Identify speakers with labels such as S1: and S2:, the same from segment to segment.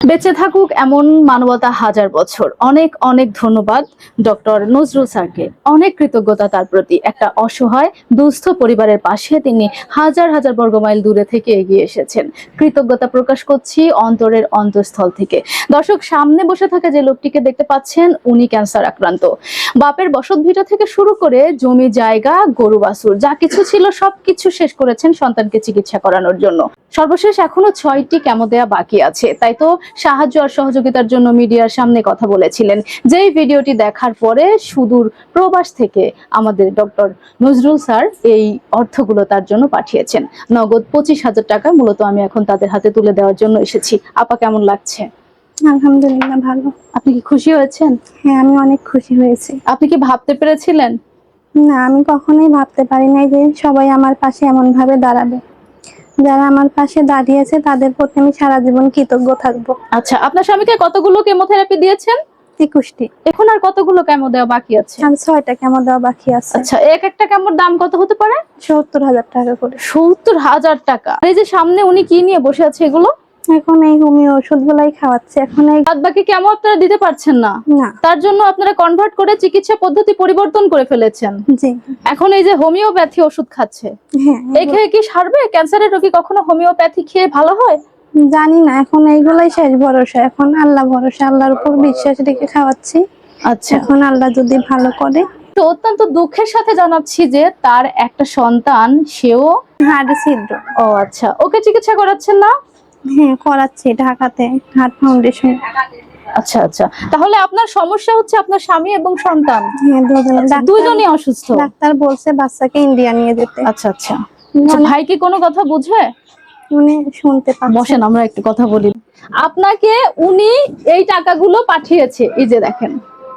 S1: বেঁচে থাকুক এমন মানবতা হাজার বছর। অনেক অনেক ধন্যবাদ ডক্টর নজরুল স্যারকে। অনেক কৃতজ্ঞতা তার প্রতি। একটা অসহায় দুস্থ পরিবারের পাশে তিনি হাজার হাজার বর্গমাইল দূরে থেকে এগিয়ে এসেছেন। কৃতজ্ঞতা প্রকাশ করছি অন্তরের অন্তঃস্থল থেকে। দর্শক, সামনে বসে থাকা যে লোকটিকে দেখতে পাচ্ছেন, উনি ক্যান্সার আক্রান্ত। বাপের বসত ভিটা থেকে শুরু করে জমি জায়গা, গরু বাছুর যা কিছু ছিল সবকিছু শেষ করেছেন সন্তানকে চিকিৎসা করানোর জন্য। সর্বশেষ এখনো 6টি কেমো দেয়া বাকি আছে। তাই তো সাহায্য আর সহযোগিতার জন্য মিডিয়ার সামনে কথা বলেছিলেন। যেই ভিডিওটি দেখার পরে সুদূর প্রবাস থেকে আমাদের ডক্টর নজরুল স্যার এই অর্থগুলো তার জন্য পাঠিয়েছেন। নগদ 25,000 টাকা মূলত আমি এখন তাদের হাতে তুলে দেওয়ার জন্য এসেছি। আপা, কেমন লাগছে?
S2: আলহামদুলিল্লাহ, ভালো।
S1: আপনি কি খুশি হয়েছেন?
S2: হ্যাঁ, আমি অনেক খুশি হয়েছি।
S1: আপনি কি ভাবতে পেরেছিলেন?
S2: না, আমি কখনোই ভাবতে পারি নাই যে সবাই আমার পাশে এমন ভাবে দাঁড়াবে। যারা আমার পাশে দাঁড়িয়েছে তাদের প্রতি আমি সারা জীবন কৃতজ্ঞ থাকবো।
S1: আচ্ছা, আপনার স্বামীকে কতগুলো কেমোথেরাপি দিয়েছেন?
S2: 21টি।
S1: এখন আর কতগুলো কেমো দেওয়া বাকি আছে?
S2: আর 6টা কেমো দেওয়া বাকি আছে।
S1: আচ্ছা, এক একটা কেমোর দাম কত হতে পারে?
S2: 70,000 টাকা করে।
S1: 70,000 টাকা। এই যে সামনে উনি কি নিয়ে বসে আছে এগুলো?
S2: এখন এই হোমিও ওষুধ গুলাই খাওয়াচ্ছে। এখন এই
S1: বাদ বাকি কেমো আপনারা দিতে পারছেন না, তার জন্য আপনারা কনভার্ট করে চিকিৎসা পদ্ধতি পরিবর্তন করে ফেলেছেন।
S2: জি।
S1: এখন এই যে হোমিওপ্যাথি ওষুধ খাচ্ছে,
S2: হ্যাঁ,
S1: এই খেয়ে কি সারবে? ক্যান্সারের রোগী কখনো হোমিওপ্যাথি খেয়ে ভালো হয়?
S2: জানি না, এখন এইগুলাই শেষ ভরসা। এখন আল্লাহ ভরসা, আল্লাহর উপর বিশ্বাস রেখে খাওয়াচ্ছি।
S1: আচ্ছা,
S2: এখন আল্লাহ যদি ভালো করে।
S1: তো অত্যন্ত দুঃখের সাথে জানাচ্ছি যে তার একটা সন্তান, সেও
S2: হাড়ে ছিদ্র।
S1: ও আচ্ছা, ওকে চিকিৎসা করাচ্ছেন না?
S2: হ্যাঁ, করাচ্ছি ঢাকাতে হার্ট ফাউন্ডেশন।
S1: আচ্ছা আচ্ছা, তাহলে আপনার সমস্যা হচ্ছে আপনার স্বামী এবং সন্তান?
S2: হ্যাঁ,
S1: দুজনই অসুস্থ।
S2: ডাক্তার বলছে বাচ্চাকে ইন্ডিয়া নিয়ে যেতে।
S1: আচ্ছা আচ্ছা, ভাই কি কোনো কথা বুঝে?
S2: উনি শুনতে পাচ্ছে।
S1: বসেন, আমরা একটু কথা বলি। আপনাকে উনি এই টাকাগুলো পাঠিয়েছে, এই যে দেখেন,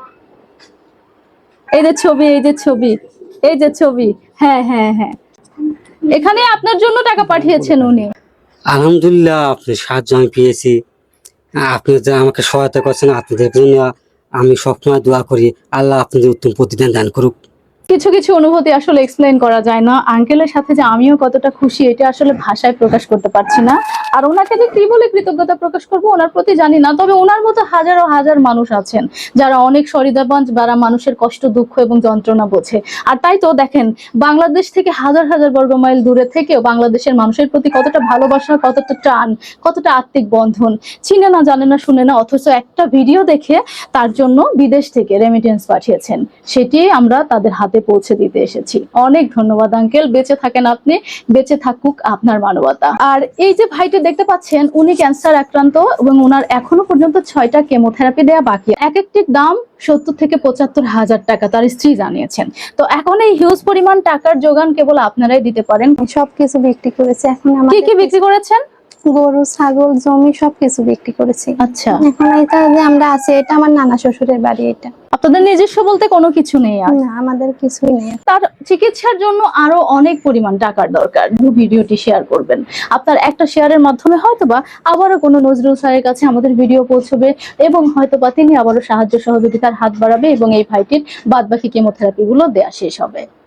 S1: এই যে ছবি, এই যে ছবি, এই যে ছবি। হ্যাঁ হ্যাঁ হ্যাঁ, এখানে আপনার জন্য টাকা পাঠিয়েছেন উনি।
S3: আলহামদুলিল্লাহ, আপনার সাহায্য আমি পেয়েছি। আপনি যে আমাকে সহায়তা করছেন, আপনাদের জন্য আমি সবসময় দোয়া করি আল্লাহ আপনাদের উত্তম প্রতিদান দান করুক।
S1: কিছু কিছু অনুভূতি আসলে এক্সপ্লেইন করা যায় না। আঙ্কেলের সাথে যে আমিও কতটা খুশি, এটা আসলে ভাষায় প্রকাশ করতে পারছি না। আর ওনাকে যে কি বলে কৃতজ্ঞতা প্রকাশ করবো ওনার প্রতি জানি না। তবে ওনার মতো হাজারো হাজার মানুষ আছেন যারা অনেক সহৃদয়বান, যারা মানুষের কষ্ট, দুঃখ এবং যন্ত্রণা বোঝে। আর তাই তো দেখেন, বাংলাদেশ থেকে হাজার হাজার বর্গমাইল দূরে থেকেও বাংলাদেশের মানুষের প্রতি কতটা ভালোবাসা, কতটা টান, কতটা আত্মিক বন্ধন। চিনে না, জানে না, শুনে না, অথচ একটা ভিডিও দেখে তার জন্য বিদেশ থেকে রেমিটেন্স পাঠিয়েছেন। সেটি আমরা তাদের হাতে পৌঁছে দিতে এসেছি। অনেক ধন্যবাদ আঙ্কেল, বেঁচে থাকেন আপনি, বেঁচে থাকুক আপনার মানবতা। আর এই যে ভাইটি দেখতে পাচ্ছেন, উনি ক্যান্সার আক্রান্ত এবং ওনার এখনো পর্যন্ত 6টা কেমোথেরাপি দেওয়া বাকি। এক একটির দাম 70 থেকে 75,000 টাকা তার স্ত্রী জানিয়েছেন। তো এখন এই হিউজ পরিমাণ টাকার যোগান কেবল আপনারাই দিতে পারেন।
S2: সবকিছু বিক্রি করেছে। এখন
S1: কি কি বিক্রি করেছেন?
S2: গরু, ছাগল, জমি সবকিছু বিক্রি করেছি।
S1: আচ্ছা,
S2: এখন এটা যে আমরা আছি, এটা আমার নানা শ্বশুরের বাড়ি। এটা
S1: আপনাদের নিজস্ব বলতে কোনো কিছু নেই? আর
S2: না, আমাদের কিছুই নেই।
S1: তার চিকিৎসার জন্য আরো অনেক পরিমাণ টাকার দরকার। ভিডিওটি শেয়ার করবেন। আপনার একটা শেয়ারের মাধ্যমে হয়তোবা আবারও কোনো নজরুল স্যারের কাছে আমাদের ভিডিও পৌঁছবে এবং হয়তোবা তিনি আবারও সাহায্য সহযোগিতার হাত বাড়াবে এবং এই ভাইটির বাদবাকি কেমোথেরাপি গুলো দেয়া শেষ হবে।